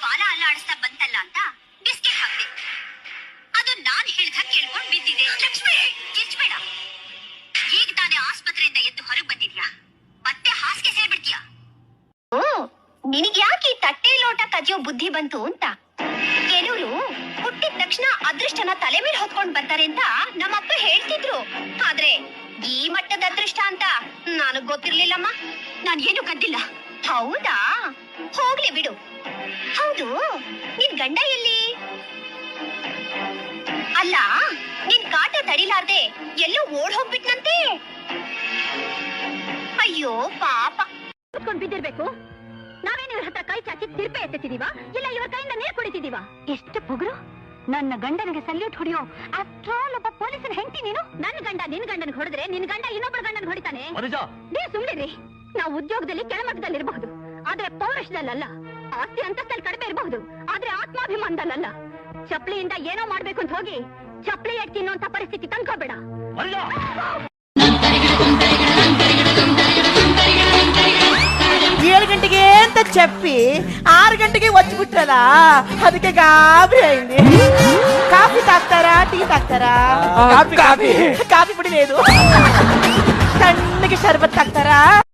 ಬಾಲ ಅಲ್ಲಾಡಿಸ್ತಾ ಬಂತಲ್ಲ ಅಂತ ಬಿಸ್ಕೆಟ್ ಹಾಕ್ದೆ. ಅದು ನಾನ್ ಹೇಳ್ದ ಕೇಳ್ಕೊಂಡ್ ಬಿದ್ದಿದೆ. ಲಕ್ಷ್ಮಿ ಕಿರ್ಚ್ಬೇಡ. ಈಗ ತಾನೇ ಆಸ್ಪತ್ರೆಯಿಂದ ಎದ್ದು ಹೊರಗೆ ಬಂದಿದ್ಯಾ, ಮತ್ತೆ ಹಾಸಿಗೆ ಸೇರ್ಬಿಡ್ತೀಯಾ? ನಿನಗ್ ಯಾಕೆ ಈ ತಟ್ಟೆ ಲೋಟ ಕಜಿಯೋ ಬುದ್ಧಿ ಬಂತು ಅಂತ. ಕೆಲವರು ಹುಟ್ಟಿದ ತಕ್ಷಣ ಅದೃಷ್ಟನ ತಲೆ ಮೇಲೆ ಹೊತ್ಕೊಂಡ್ ಬರ್ತಾರೆ ಅಂತ ನಮ್ಮಪ್ಪ ಹೇಳ್ತಿದ್ರು. ಆದ್ರೆ ಈ ಮಟ್ಟದ ಅದೃಷ್ಟ ಅಂತ ನನಗ್ ಗೊತ್ತಿರ್ಲಿಲ್ಲಮ್ಮ. ನಾನ್ ಏನು ಕದ್ದಿಲ್ಲ. ಹೌದಾ, ಹೋಗ್ಲಿ ಬಿಡು. ಹೌದು, ನಿನ್ ಗಂಡ ಎಲ್ಲಿ? ಅಲ್ಲ, ನಿನ್ ಕಾಟ ತಡಿಲಾರ್ದೆ ಎಲ್ಲೋ ಓಡ್ ಹೋಗ್ಬಿಟ್ನಂತೆ. ಅಯ್ಯೋ ಪಾಪ. ಕುತ್ಕೊಂಡ್ ಬಿದ್ದಿರ್ಬೇಕು. ನಾವೇನು ಇವ್ರ ಹತ್ರ ಕೈ ಚಾಚಿ ತಿರ್ಪೆ ಎತ್ತಿದೀವ, ಇಲ್ಲ ಇವ್ರ ಕೈಯಿಂದ ನೀರ್ ಕುಡಿತಿದೀವ? ಎಷ್ಟು ಪುಗುರು. ನನ್ನ ಗಂಡನಿಗೆ ಸಲ್ಯೂಟ್ ಹೊಡಿಯೋ ಆಫ್ಟರ್ ಆಲ್ ಒಬ್ಬ ಪೊಲೀಸನ ಹೆಂಡತಿ ನೀನು. ನನ್ನ ಗಂಡ ನಿನ್ ಗಂಡನ್ ಹೊಡೆದ್ರೆ ನಿನ್ ಗಂಡ ಇನ್ನೊಬ್ಬರ ಗಂಡನ್ ಹೊಡಿತಾನೆ. ನೀವು ಸುಮ್ನಿರಿ. ನಾವು ಉದ್ಯೋಗದಲ್ಲಿ ಕೆಳಮಟ್ಟದಲ್ಲಿ ಇರಬಹುದು, ಆದ್ರೆ ಪೌರುಷದಲ್ಲ. ಆಸ್ತಿ ಅಂತಸ್ತಲ್ಲಿ ಕಡಿಮೆ ಇರಬಹುದು, ಆದ್ರೆ ಆತ್ಮಾಭಿಮಾನದಲ್ಲ. ಚಪ್ಲಿಯಿಂದ ಏನೋ ಮಾಡ್ಬೇಕು ಅಂತ ಹೋಗಿ ಚಪ್ಲಿ ಎಟ್ ತಿನ್ನುವಂತ ಪರಿಸ್ಥಿತಿ ತಂದ್ಕೋಬೇಡ. 7 ಗಂಟೆಗೆ ಅಂತ చెప్పి 6 ಗಂಟೆಗೆ వచ్చిಬಿಟ್ರಲ್ಲ, ಅದಕ್ಕೆ ಗಾಬರಿ ಅయింది. Coffee ತಾಗ್ತಾರಾ, tea ತಾಗ್ತಾರಾ? ಕಾಫಿ ಪುಡಿ లేదు. ತಣ್ಣಗೆ ಶರ್ಬತ್ ತಾಗ್ತಾರಾ?